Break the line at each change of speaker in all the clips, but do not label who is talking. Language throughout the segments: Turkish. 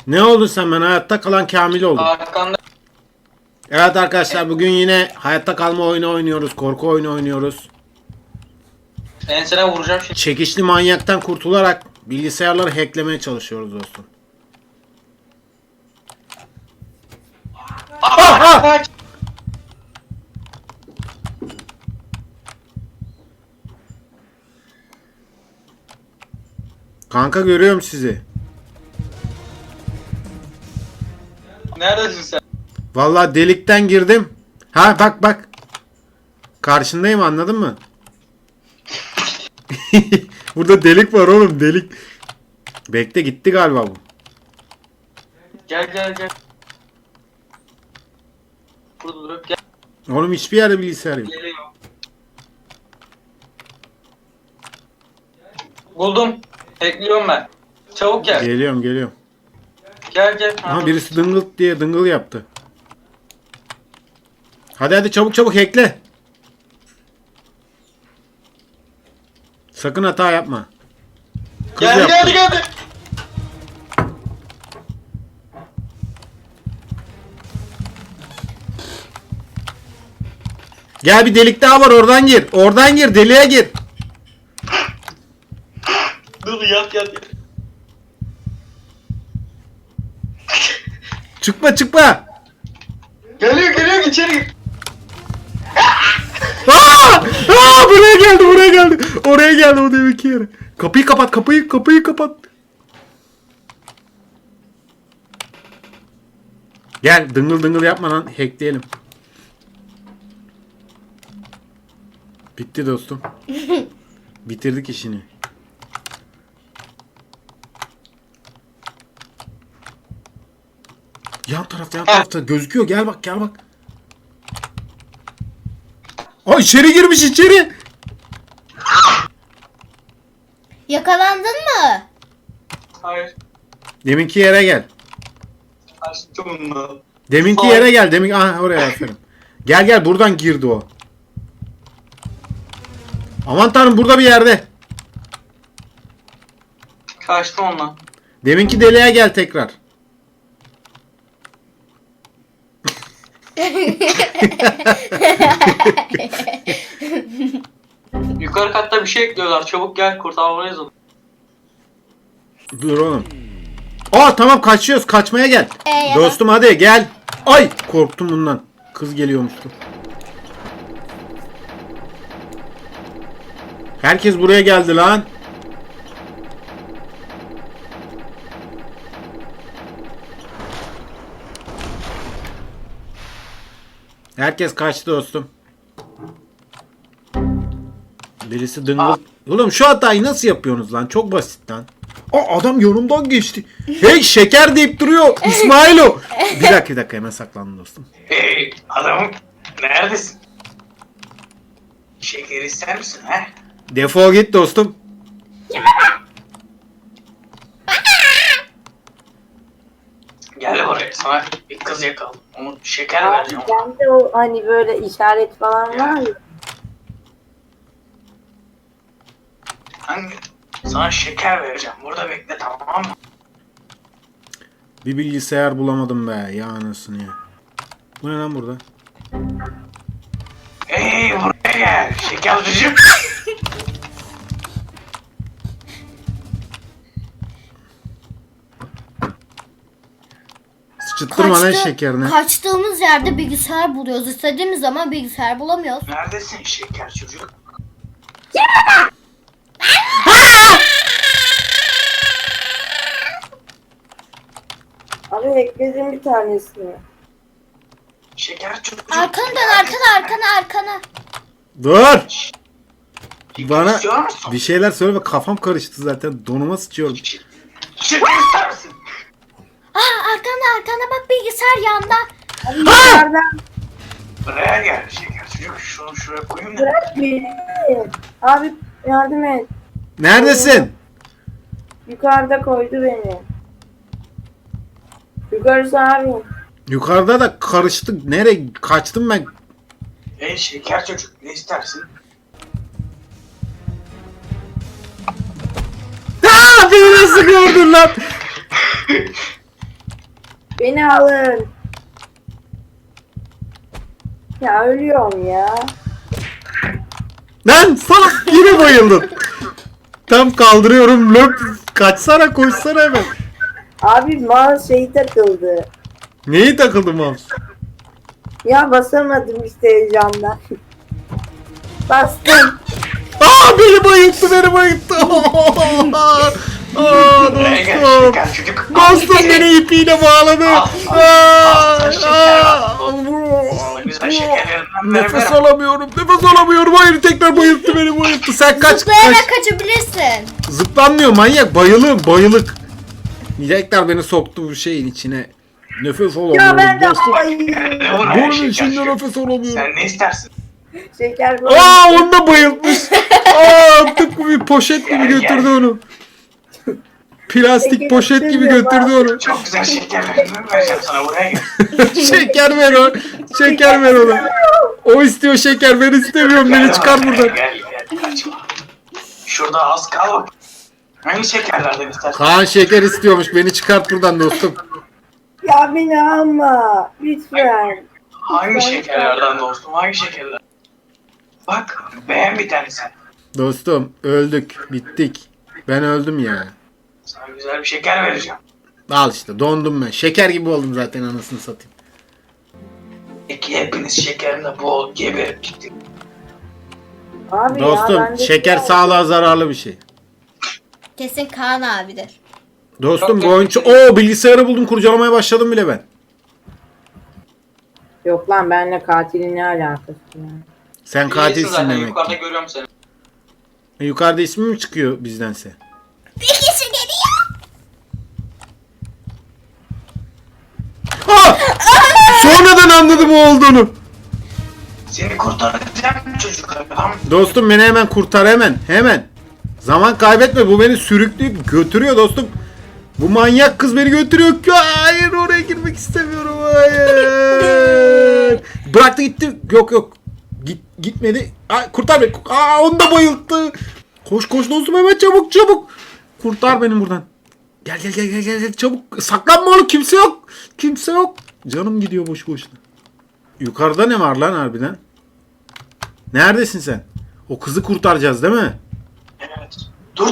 Ne oldun sen? Ben hayatta kalan Kamil oldum.
Arkanda.
Evet arkadaşlar, bugün yine hayatta kalma oyunu oynuyoruz. Korku oyunu oynuyoruz.
Ensene vuracağım şimdi.
Çekişli manyaktan kurtularak bilgisayarları hacklemeye çalışıyoruz dostum.
Kaç.
Kanka, görüyorum sizi.
Neredesin sen?
Vallahi delikten girdim. Ha bak bak. Karşındayım, anladın mı? Burada delik var oğlum, delik. Bekle, gitti galiba bu.
Gel gel gel. Burada durup gel.
Oğlum hiçbir yerde bilgisayar yok.
Geliyor. Buldum. Ekliyorum ben. Çabuk gel.
Geliyorum geliyorum.
Gel gel.
Aha, birisi dıngıl diye dıngıl yaptı. Hadi hadi, çabuk çabuk hackle. Sakın hata yapma. Kız
Geldi
yaptı.
geldi geldi.
Gel, bir delik daha var, oradan gir. Oradan gir, deliğe gir.
Dur yat yat yat.
Çıkma çıkma.
Geliyor geliyor içeri gir.
Aa! Aa, buraya geldi buraya geldi. Oraya geldi o deminki yere. Kapıyı kapat, kapıyı kapat. Gel, dıngıl dıngıl yapma lan, hackleyelim. Bitti dostum. Bitirdik işini. Yan tarafta gözüküyor, gel bak gel bak. Aa, içeri girmiş içeri.
Yakalandın mı?
Hayır.
Deminki yere gel.
Açtım bunu.
Deminki
Hayır.
yere gel. Demin, aha, oraya aferin. Gel gel, buradan girdi o. Aman tanrım, burada bir yerde.
Kaçtım ondan.
Deminki deliğe gel tekrar.
Yukarı katta bir şey ekliyorlar. Çabuk gel kurtarmalıyız onu.
Dur oğlum. Aa tamam, kaçıyoruz, kaçmaya gel.
Ya
Dostum hadi gel. Ay, korktum bundan. Kız geliyormuştu. Herkes buraya geldi lan. Herkes kaçtı dostum. Birisi dıngıl. Oğlum şu hatayı nasıl yapıyorsunuz lan? Çok basit lan. Aa, adam yanımdan geçti. Hey, şeker deyip duruyor. İsmailo. Bir dakika hemen saklandım dostum.
Hey adamım. Neredesin? Şeker ister misin he?
Defol git dostum.
Gel buraya sana bir kız yakaladım. Onu şeker vereceğim.
Ben de o hani böyle işaret falan var ya.
Hangi? Sana şeker vereceğim. Burada bekle tamam mı?
Bir bilgisayar bulamadım be. Ya anasını ya. Bu ne lan burada?
Hey buraya gel. Şeker vereceğim.
Sıçıttırma lan şekerini.
Kaçtığımız yerde bilgisayar buluyoruz. İstediğimiz zaman bilgisayar bulamıyoruz.
Neredesin şeker çocuk?
Abi ekledim bir tanesini.
Şeker çocuk.
Arkana dön, arkana.
Dur.
Şeker
Bana
istiyor musun?
bir şeyler söyleme, kafam karıştı zaten. Donuma sıçıyorum.
Şeker ister misin?
Aa, arkana bak, bilgisayar yanda.
Abi yukarıdan
Buraya gel şeker çocuk. Şunu şuraya koyayım da.
bırak beni. Abi yardım et.
Neredesin?
Yukarıda koydu beni. Yukarısı abi.
Yukarıda da karıştık. Nereye kaçtım ben?
Hey şeker çocuk ne istersin?
Aa, beni nasıl gördün lan?
Beni alın. Ya ölüyorum ya.
Lan salak yine bayıldın. Tam kaldırıyorum löp. Kaçsana koşsana hemen.
Abi mouse şeyi takıldı.
Neyi takıldı mouse?
Ya basamadım işte heyecandan. Bastım.
Aa beni bayılttı beni bayılttı. Aa
Buraya gel
dostum.
şeker çocuk.
Dostum beni ipiyle bağladı.
Güzel şekerlerinden
Nefes
ver.
alamıyorum. Nefes alamıyorum. Hayır tekrar bayılttı beni bayılttı. Sen kaç
Zıplayarak kaçabilirsin.
Zıplanmıyor manyak. Bayılık. Tekrar beni soktu bu şeyin içine. Nefes alamıyorum.
Ya ben de
dostum.
Buraya
Bunun
şeker
içinde
çocuk.
nefes alamıyorum.
Sen ne istersin?
Şeker
Aa onu da bayıltmış. Aa tıpkı bir poşet gibi
Gel,
götürdü
gel.
onu. Plastik
Şeker
poşet gibi
istemiyorum
götürdü onu.
Çok güzel şekerlerinden vereceğim sana, buraya gel.
Şeker ver o. Şeker ver ona. O istiyor şeker ben istemiyorum. Beni çıkar buradan.
Gel kaçma. Şurada az kal bak. Hangi şekerlerden istersin?
Kaan şeker istiyormuş. Beni çıkart buradan dostum.
Ya beni alma. Lütfen.
Hangi şekerlerden dostum? Hangi şekerler? Bak beğen bir tanesi.
Dostum öldük. Bittik. Ben öldüm ya.
Sana güzel bir şeker vereceğim.
Al işte dondum ben. Şeker gibi oldum zaten anasını satayım.
Peki hepiniz şekerimle boğul geberip gittik.
Abi ya,
Dostum
ben de
şeker
şey-
sağlığa zararlı bir şey.
Kesin Kaan abidir.
Dostum bu
Yok,
oyun çok... Oo bilgisayarı buldum kurcalamaya başladım bile ben.
Yok lan benimle katilin ne alakası ya?
Sen katilsin demek
Yukarıda
ki.
görüyorum seni.
Yukarıda ismi mi çıkıyor bizdense?
Bir kişi geliyor.
Ah! Sonradan anladım o olduğunu.
Seni kurtaracağım çocuk adam.
Dostum beni hemen kurtar hemen. Hemen. Zaman kaybetme bu beni sürükleyip götürüyor dostum. Bu manyak kız beni götürüyor. Hayır oraya girmek istemiyorum. Hayır. Bıraktı gitti. Yok. Gitmedi. Ay, kurtar beni. Aa, onu da bayılttı. Koş dostum hemen çabuk. Kurtar beni buradan. Gel çabuk. Saklanma oğlum kimse yok. Canım gidiyor boş boşuna. Yukarıda ne var lan harbiden? Neredesin sen? O kızı kurtaracağız değil mi?
Evet. Dur.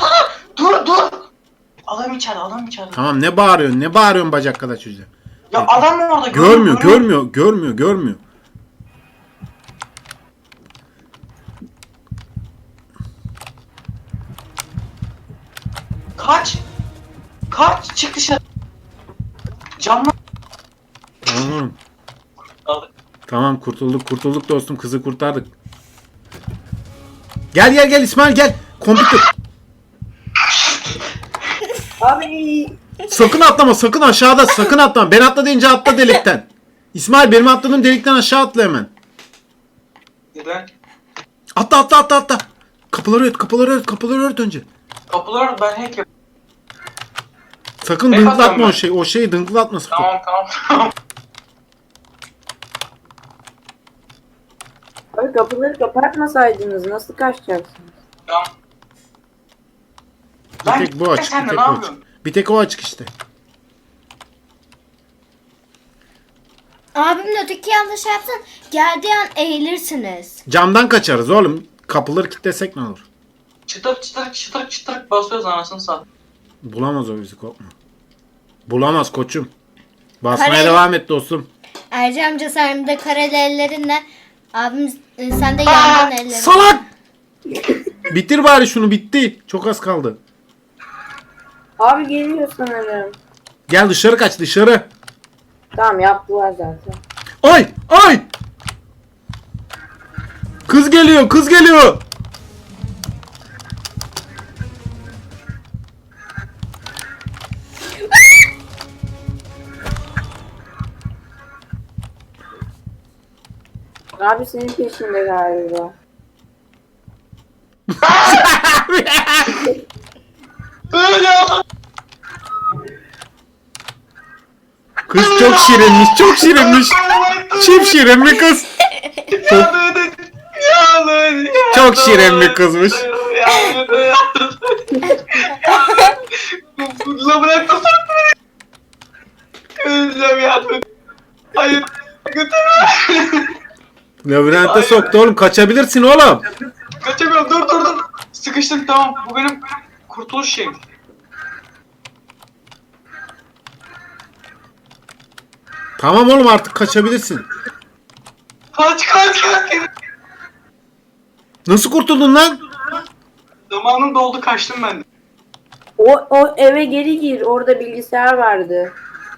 Adam içeride.
Tamam ne bağırıyorsun bacak kadar çocuğa.
Ya adam mı orada?
Görmüyor.
Kaç. Çık dışarı. Camla.
Tamam kurtulduk dostum kızı kurtardık. Gel İsmail gel. Kompütür.
Abi
Sakın aşağıda sakın atlama. Ben atla deyince atla delikten. İsmail benim atladığım delikten aşağı atla hemen.
Neden?
Atla. Kapıları ört önce.
Kapılar ben hack yap.
Sakın
Ben
dınklatma
atıyorum
o şeyi dınklatma sakın.
Tamam.
abi kapıları kapatmasaydınız nasıl kaçacaksınız?
Tamam.
Bir tek bu açık.
Sen de ne yapıyorsun?
Bir tek o açık işte.
Abimle öteki yanlış yapsan geldiği an eğilirsiniz.
Camdan kaçarız oğlum. Kapıları kilitlesek ne olur?
Çıtır basıyoruz anasını sat.
Bulamaz o bizi korkma. Bulamaz koçum. Basmaya
Kare-
devam et dostum.
Erci amca sen de kareli ellerinle abim sen de yandan ellerin.
Salak! Bitir bari şunu bitti. Çok az kaldı.
Abi geliyor sanırım.
Gel dışarı kaç dışarı.
Tamam yaptılar zaten.
Ay! Kız geliyor.
Abi senin peşinde galiba.
Kız çok şirinmiş. Çift şirin bir kız. Çok şirin bir kızmış.
La bırak da öleceğim yardım et. Hayır. Götürme.
Labirente soktu oğlum. Kaçabilirsin oğlum.
Kaçamıyorum. Dur. Sıkıştım tamam. Bu benim kurtuluş şeyim.
Tamam oğlum artık kaçabilirsin.
Kaç.
Nasıl kurtuldun lan?
Zamanım doldu kaçtım ben de.
O eve geri gir. Orada bilgisayar vardı.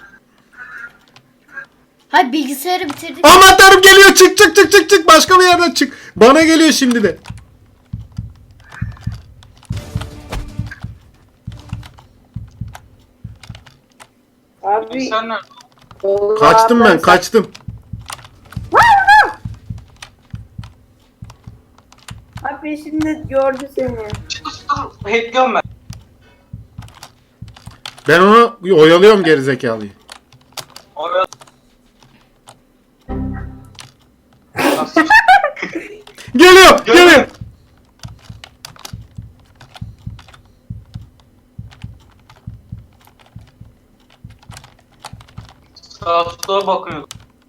Hayır bilgisayarı bitirdik.
Aman tanrım geliyor. Çık. Başka bir yerden çık. Bana geliyor şimdi de.
Abi
Sen nerede?
Kaçtım ben kaçtım.
Abi şimdi gördü seni.
Dur. Hackliyorum ben.
Ben onu oyalıyorum gerizekalıyı.
Oraya...
Geliyor.
Sağa sola bakıyordum.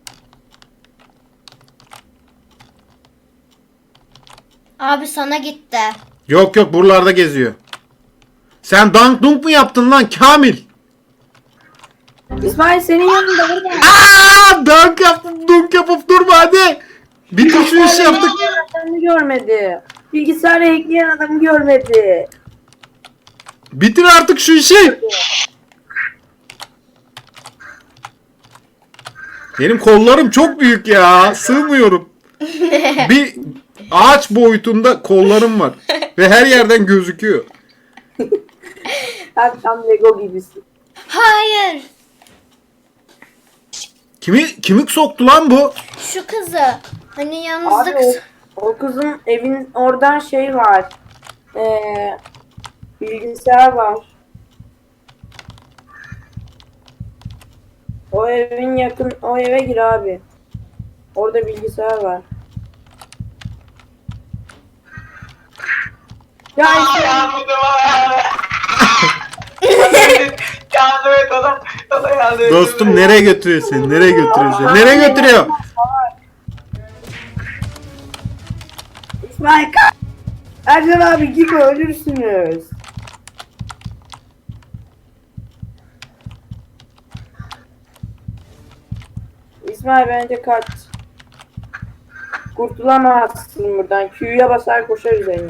Abi sana gitti.
Yok buralarda geziyor. Sen dank dunk mu yaptın lan Kamil?
İsmail senin yanında burada.
Dank yaptım dunk yapıp durma hadi. Bitir şu işi yaptık.
Adamı görmedi. Bilgisayarı hackleyen adamı görmedi.
Bitir artık şu işi. Benim kollarım çok büyük ya. Sığmıyorum. Bir ağaç boyutunda kollarım var. Ve her yerden gözüküyor.
Abi tam Lego gibisin.
Hayır.
Kimi soktu lan bu?
Şu kızı. Hani
Abi
yalnızlık.
o kızın evin oradan şey var. Bilgisayar var. O evin yakın, o eve gir abi. Orada bilgisayar var. Ya işte
Yardım et adam. Adam yardım et.
Dostum nereye götürüyor seni? Nereye götürüyor seni? Nereye götürüyor?
İsmail kaç. Ercan abi gibi ölürsünüz. İsmail bence kaç. Kurtulamazsın buradan. Q'ya basar koşar üzerine.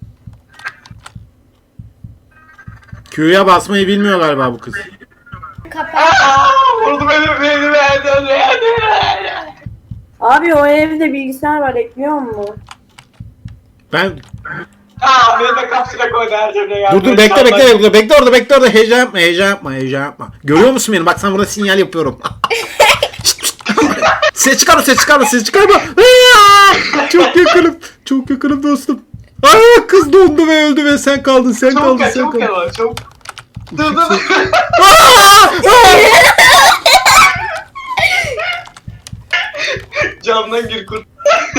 Q'ya basmayı bilmiyor galiba bu kız.
Kapat.
Vurdu beni verdi.
Abi o evde bilgisayar var ekliyor mu?
Ben
Beni de kapsüle koydu her şeyde ya.
dur bekle orada heyecan yapma. Görüyor musun beni? Bak sana burada sinyal yapıyorum. Ses çıkarma. Çok yakınım dostum. Ay kız dondu ve öldü ve sen kaldın.
Çabuk gel bana çabuk. Dur. Camdan gir kurt.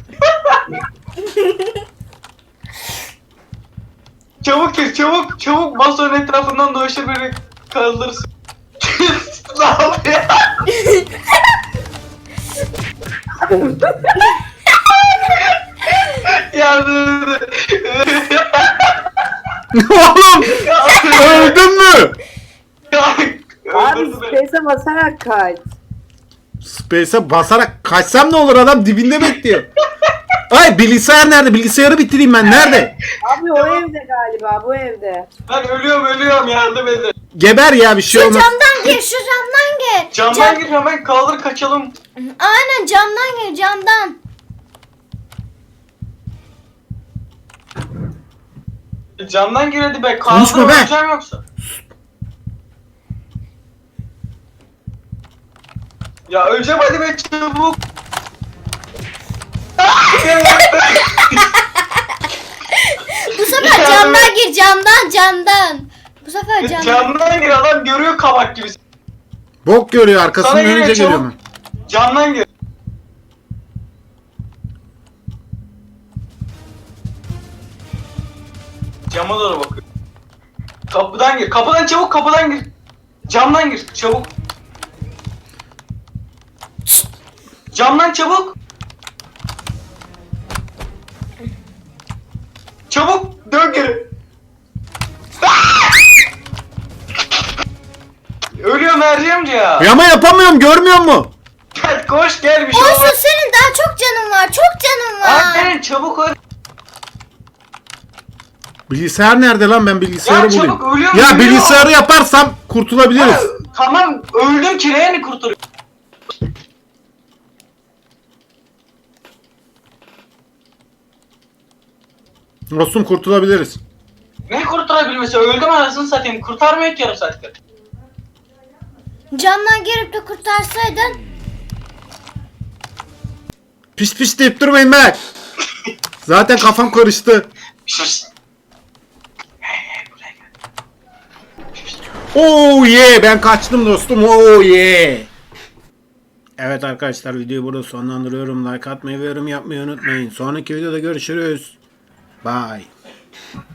Çabuk gir çabuk masanın etrafından dolaşır beni kaldırırsın. Ne yapıyor? Yardım et.
Oğlum öldün mü?
Abi
Öldürdü beni.
space'e basarak kaç.
Space'e basarak kaçsam ne olur, adam dibinde bekliyor. Ay bilgisayar nerede? Bilgisayarı bitireyim ben. Nerede?
Abi o evde galiba bu evde.
Ben ölüyorum yardım edin.
Geber ya, bir şey
Şu
olmaz.
camdan gir. Şu camdan gir.
Camdan gir hemen kaldır kaçalım.
Aynen camdan gir. Camdan.
Camdan gir hadi be.
Konuşma
Kaldır
be.
öleceğim yoksa. Ya öleceğim hadi be çabuk.
Bu sefer camdan gir. Camdan. Bu sefer camdan.
Camdan gir adam görüyor kabak gibi.
Bok görüyor, arkasından
Sana geliyor,
önce
çabuk.
geliyor mu?
Camdan gir. Cama doğru bakıyor. Kapıdan gir. Kapıdan çabuk kapıdan gir. Camdan gir çabuk. Camdan çabuk. Çabuk dön geri. Ölüyorum Erciyemci ya.
Ya ama yapamıyorum, görmüyor musun?
Gel koş gel bir şey
Olsun
olmaz.
senin daha çok canın var. Çok canın var.
Aferin çabuk öl.
Bilgisayar nerede lan, ben bilgisayarı
Ya
bulayım.
çabuk, ölüyorum,
Ya
ölüyorum.
bilgisayarı yaparsam kurtulabiliriz.
Ha, tamam öldüm ki ne kurtarıyor?
Dostum kurtulabiliriz.
Ne kurtarabilmesi? Öldüm anasını satayım. Kurtarmıyor ki yarım saattir.
Camdan girip de kurtarsaydın.
Pis pis deyip durmayın be. Zaten kafam karıştı.
Sus. Hey, buraya gel.
Oh yeah, ben kaçtım dostum. Oh yeah. Evet arkadaşlar, videoyu burada sonlandırıyorum. Like atmayı ve yorum yapmayı unutmayın. Sonraki videoda görüşürüz. Bye.